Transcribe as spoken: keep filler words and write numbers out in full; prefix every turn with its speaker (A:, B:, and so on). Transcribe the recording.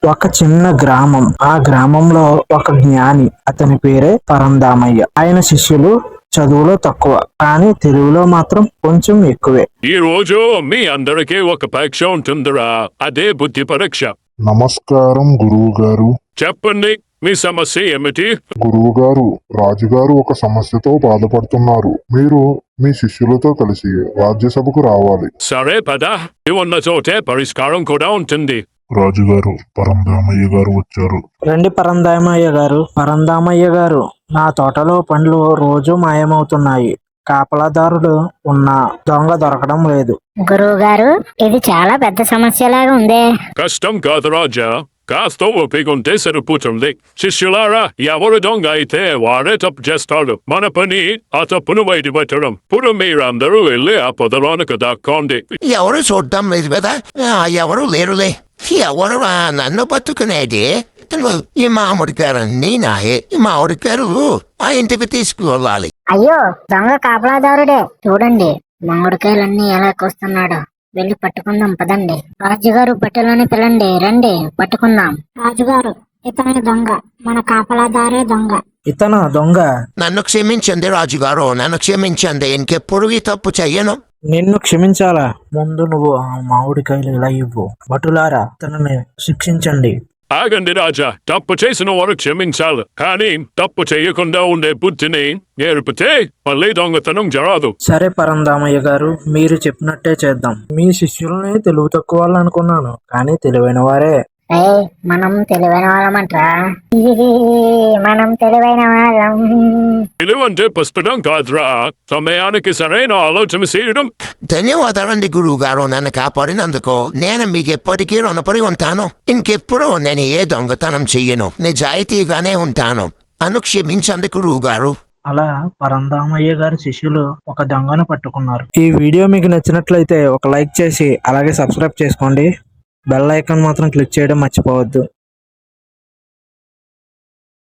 A: ఒక చిన్న గ్రామం. ఆ గ్రామంలో ఒక జ్ఞాని, అతని పేరే పరందామయ్య. ఆయన శిష్యులు చదువులో తక్కువ, కానీ తెలుగులో మాత్రం కొంచెం ఎక్కువే.
B: ఈ రోజు మీ అందరికీ ఒక పరీక్ష ఉంటుందిరా, అదే బుద్ధి పరీక్ష.
C: నమస్కారం గురువు గారు.
B: చెప్పండి, మీ సమస్య ఏమిటి?
C: గురువు గారు, రాజుగారు ఒక సమస్యతో బాధపడుతున్నారు. మీరు మీ శిష్యులతో కలిసి రాజ్యసభకు రావాలి.
B: సరే పద, ఉన్న చోటే పరిష్కారం కూడా ఉంటుంది.
C: రాజుగారు, పరంధామయ్య గారు వచ్చారు.
A: రండి పరందామయ్య గారు. పరందామయ్య గారు, నా తోటలో పండ్లు రోజు మాయమవుతున్నాయి. కాపలాదారుడు ఉన్నా దొంగ దొరకడం లేదు.
D: గురువు గారు, ఇది చాలా పెద్ద సమస్యలాగా ఉందే.
B: కష్టం కాదు రాజా, కాస్త ఒప్పికుంటే సరిపోతుంది. శిష్యులారా, ఎవరు దొంగ అయితే వారే తప్పు చేస్తాడు. మన పని ఆ తప్పును బయటపెట్టడం. ఇప్పుడు మీరందరూ వెళ్ళి ఆ పొదలోనికి దాక్కోండి.
E: ఎవరు చూడటం లేదు కదా, ఆ, ఎవరు లేరులే. ఎవరు ఆ నన్ను పట్టుకునేది? ఈ మామిడికాయలన్నీ నాయే. ఈ మామిడికాయలు ఆ ఇంటికి తీసుకువెళ్ళాలి.
D: అయ్యో, దొంగ కాపలాదారుడే. చూడండి మామిడికాయలన్నీ ఎలా కోస్తున్నాడో. వెళ్ళి పట్టుకుందాం పదండి. రాజుగారు, పట్టెలోని పిల్లండి, రండి పట్టుకుందాం.
F: రాజుగారు, ఇతనే దొంగ, మన కాపలాదారే దొంగ.
A: ఇతన దొంగ?
E: నన్ను క్షమించండి రాజుగారు, నన్ను క్షమించండి. ఇంకెప్పుడు ఈ తప్పు చెయ్యను.
A: నిన్ను క్షమించాలా? ముందు నువ్వు ఆ మామిడికాయలు ఇలా ఇవ్వు. భటులారా, తనని శిక్షించండి.
B: ఆగండి రాజా, తప్పు చేసిన వారు క్షమించాలి, కానీ తప్పు చేయకుండా ఉండే బుద్ధిని నేర్పితే మళ్ళీ దొంగతనం జరగదు.
A: సరే పరందామయ్య గారు, మీరు చెప్పినట్టే చేద్దాం. మీ శిష్యుల్ని తెలివి తక్కువ వాళ్ళు అనుకున్నాను, కానీ తెలివైన వారే.
D: ఏ మనం తెలివైన వాళ్ళమంట్రా. మనం తెలివైన వాళ్ళం.
B: తెలివంటే పుస్తకం కాదురా, సమయానికి సరైన ఆలోచన చేయడం.
E: ధన్యవాదాలండి గురువు గారు, నన్ను కాపాడినందుకు. నేను మీకు ఎప్పటికీ రుణపడి ఉంటాను. ఇంకెప్పుడు నేను ఏ దొంగతనం చెయ్యను, నిజాయితీగానే ఉంటాను. అను క్షమించండి గురువు గారు.
A: అలా పరందామయ్య గారి శిష్యులు ఒక దొంగను పట్టుకున్నారు. ఈ వీడియో మీకు నచ్చినట్లయితే ఒక లైక్ చేసి అలాగే సబ్స్క్రైబ్ చేసుకోండి. బెల్ ఐకాన్ మాత్రం క్లిక్ చేయడం మర్చిపోవద్దు.